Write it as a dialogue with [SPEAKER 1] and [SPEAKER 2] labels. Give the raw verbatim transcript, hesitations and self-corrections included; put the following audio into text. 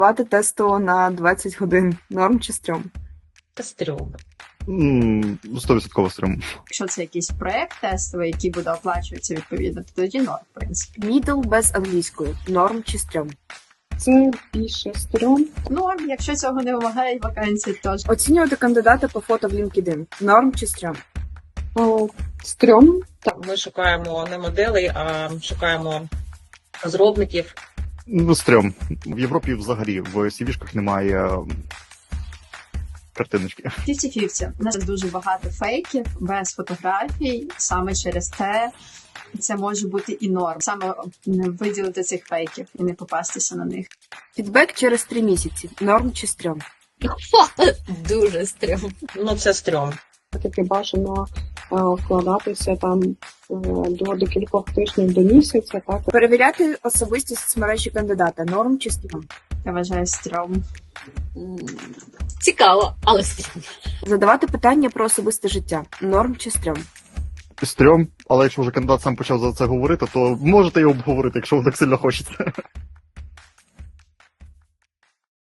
[SPEAKER 1] Давати тесту на двадцять годин. Норм чи стрьом?
[SPEAKER 2] Та стрьом.
[SPEAKER 3] М, сто відсотків стрім.
[SPEAKER 4] Якщо це якийсь проект тестовий, який буде оплачуватися відповідно, то тоді норм, в принципі.
[SPEAKER 1] Мідл без англійської. Норм чи стрьом?
[SPEAKER 5] Це більше стрьом.
[SPEAKER 4] Норм, якщо цього не вимагають вакансії, теж.
[SPEAKER 1] Оцінювати кандидата по фото в LinkedIn. Норм чи стрьом?
[SPEAKER 5] О, стрьом.
[SPEAKER 2] Ми шукаємо не моделей, а шукаємо розробників.
[SPEAKER 3] Ну, стрьом. В Європі взагалі в сівішках немає м, картиночки.
[SPEAKER 4] п'ятдесят на п'ятдесят. У нас дуже багато фейків без фотографій. Саме через те це може бути і норм. Саме не виділити цих фейків і не попастися на них.
[SPEAKER 1] Фідбек через три місяці. Норм чи стрьом?
[SPEAKER 2] Дуже стрьом. Ну, це стрьом.
[SPEAKER 5] Таки бажано е, вкладатися там е, до декількох тижнів до місяця, так.
[SPEAKER 1] Перевіряти особистість соцмережі кандидата. Норм чи стрьом?
[SPEAKER 4] Я вважаю стрьом.
[SPEAKER 6] Цікаво, але стрьом.
[SPEAKER 1] Задавати питання про особисте життя. Норм чи стрьом?
[SPEAKER 3] Стрьом, але якщо вже кандидат сам почав за це говорити, то можете його обговорити, якщо вам так сильно хочеться.